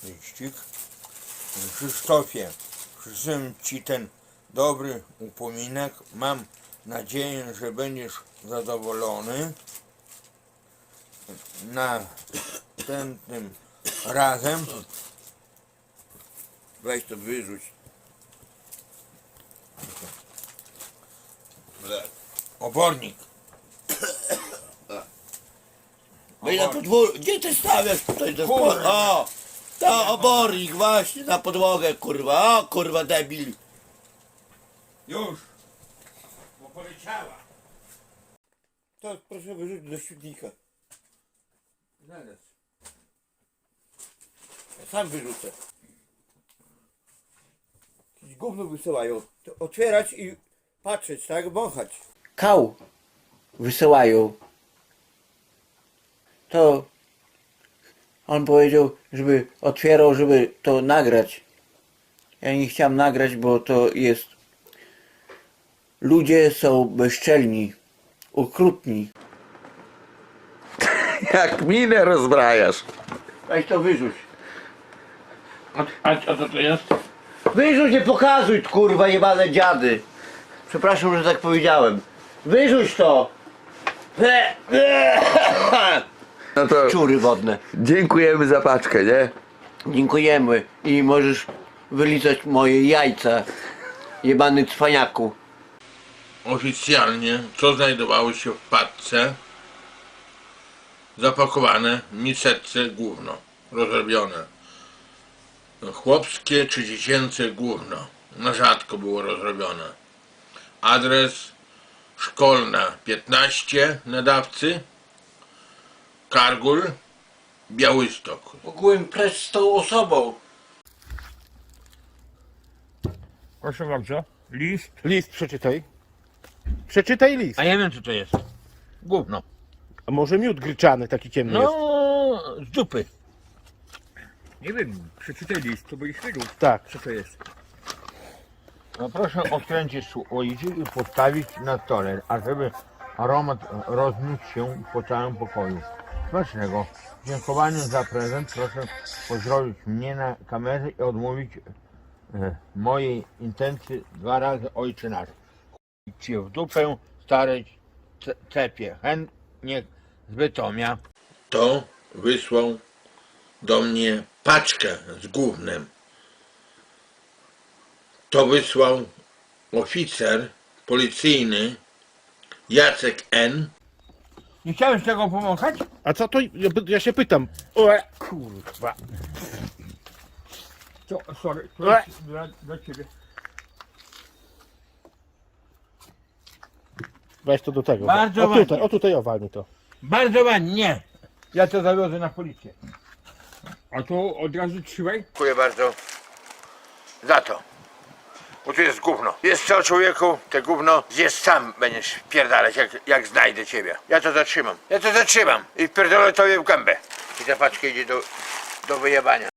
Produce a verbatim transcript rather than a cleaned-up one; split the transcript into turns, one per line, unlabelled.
artyścik. Krzysztofie, przysyłam Ci ten dobry upominek. Mam nadzieję, że będziesz zadowolony. Następnym razem weź to wyrzuć. Obornik.
No i na podwórku, gdzie ty stawiasz tutaj ten sport? O! To obornik właśnie na podłogę, kurwa, o kurwa debil.
Już, bo poleciała.
To proszę wyrzucić do śmietnika.
Zaraz.
Ja sam wyrzucę. Jakieś gówno wysyłają. To otwierać i patrzeć, tak? Wąchać. Kał wysyłają. To on powiedział, żeby otwierał, żeby to nagrać. Ja nie chciałem nagrać, bo to jest... Ludzie są bezczelni, okrutni.
Jak minę rozbrajasz.
Weź to wyrzuć.
A, a, a co to jest?
Wyrzuć, nie pokazuj, kurwa, jebane dziady. Przepraszam, że tak powiedziałem. Wyrzuć to.
No to
Czury wodne.
dziękujemy za paczkę, nie?
Dziękujemy i możesz wylizać moje jajca, jebany cwaniaku.
Oficjalnie, co znajdowało się w paczce? Zapakowane w miseczce gówno, rozrobione. Chłopskie czy dziecięce gówno, na rzadko było rozrobione. Adres Szkolna piętnaście, nadawcy Kargul, Białystok.
Mogłem precz z tą osobą.
Proszę bardzo. List.
List przeczytaj. Przeczytaj list.
A ja wiem co to jest. Gówno.
A może miód gryczany taki ciemny jest?
No, z dupy. Nie wiem, przeczytaj list, to byś wiedział,
Tak.
co to jest.
No proszę odkręcić słoiczy i postawić na stole, ażeby aromat rozniósł się po całym pokoju. Smacznego. W dziękowaniu za prezent proszę pozdrowić mnie na kamerze i odmówić e, mojej intencji dwa razy Ojcze Nasz. Cię w dupę starej ce- cepie. Chętnie z Bytomia. To wysłał do mnie paczkę z gównem. To wysłał oficer policyjny Jacek N. Nie chciałeś tego pomagać?
A co to? Ja, ja się pytam. O, kurwa.
To, sorry, to jest dla, dla ciebie.
Weź to do tego.
Bardzo
o tutaj,
ładnie.
o tutaj owalnij to.
Bardzo ładnie, nie. Ja to zawiozę na policję. A to od razu trzymaj.
Dziękuję bardzo za to. Bo tu jest gówno. Jest co, człowieku, te gówno zjesz sam, będziesz pierdalać, jak, jak znajdę ciebie. Ja to zatrzymam. Ja to zatrzymam i pierdolę tobie w gębę. I ta paczka idzie do, do wyjebania.